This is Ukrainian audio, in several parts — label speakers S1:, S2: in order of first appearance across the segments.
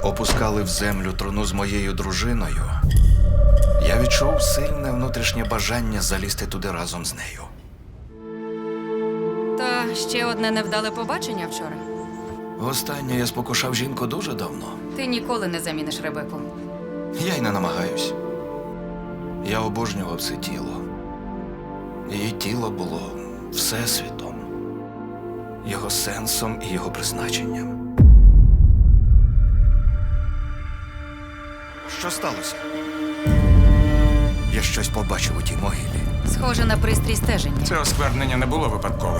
S1: опускали в землю труну з моєю дружиною, я відчув сильне внутрішнє бажання залізти туди разом з нею.
S2: Та ще одне невдале побачення вчора.
S1: Востаннє я спокушав жінку дуже давно.
S2: Ти ніколи не заміниш Ребеку.
S1: Я й не намагаюсь. Я обожнював це тіло. Її тіло було всесвітом, його сенсом і його призначенням. Що сталося? Я щось побачив у тій могилі.
S2: Схоже на пристрій стеження.
S3: Це осквернення не було випадковим.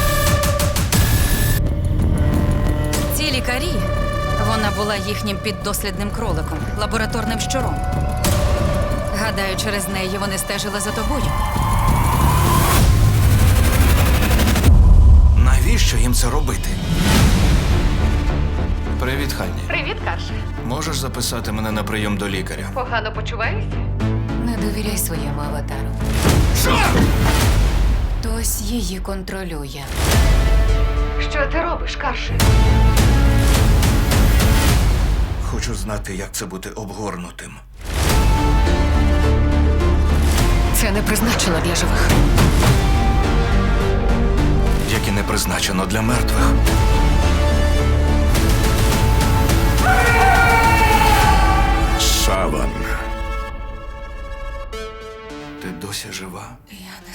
S2: Ці лікарі, вона була їхнім піддослідним кроликом, лабораторним щуром. Гадаю, через неї вони стежили за тобою.
S1: Навіщо їм це робити? Привіт, Ханні.
S4: Привіт, Карше.
S1: Можеш записати мене на прийом до лікаря?
S4: Погано почуваєшся?
S2: Не довіряй своєму аватару.
S1: Що?
S2: Хтось її контролює.
S4: Що ти робиш, Карше?
S1: Хочу знати, як це бути обгорнутим.
S2: Це не призначено для живих.
S1: Як і не призначено для мертвих.
S3: Саван.
S1: Ти досі жива?
S2: Я не